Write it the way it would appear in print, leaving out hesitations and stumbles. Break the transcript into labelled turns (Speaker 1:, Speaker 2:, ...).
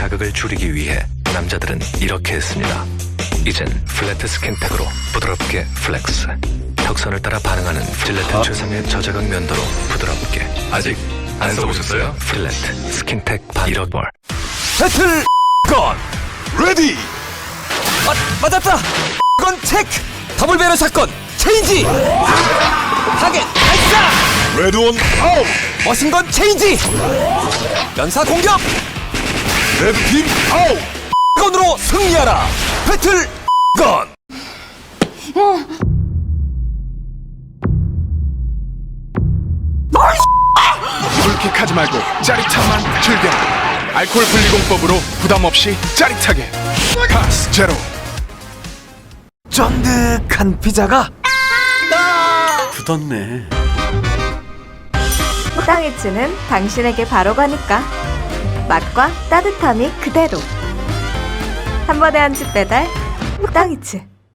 Speaker 1: 자극을 줄이기 위해 남자들은 이렇게 했습니다. 이젠 플래트 스킨텍으로 부드럽게 플렉스. 턱선을 따라 반응하는 질레텐 최상의 저자극 면도로 부드럽게. 아직 안 써보셨어요? 플래트 스킨텍 반 1억 볼.
Speaker 2: 배틀 건 레디. 맞았다. 건 체크. 더블 배럴 사건 체인지. 타겟 발사.
Speaker 3: 레드온 아웃.
Speaker 2: 머신건 체인지. 연사 공격.
Speaker 3: 레드팀 아웃.
Speaker 2: 건으로 승리하라. 배틀 건.
Speaker 3: 불킥하지 말고 짜릿함만 즐겨. 알코올 분리공법으로 부담 없이 짜릿하게. 파스 제로.
Speaker 2: 쫀득한 피자가
Speaker 3: 굳었네.
Speaker 4: 땅이츠는 당신에게 바로 가니까 맛과 따뜻함이 그대로 한 번에 한 집 배달 땅이츠.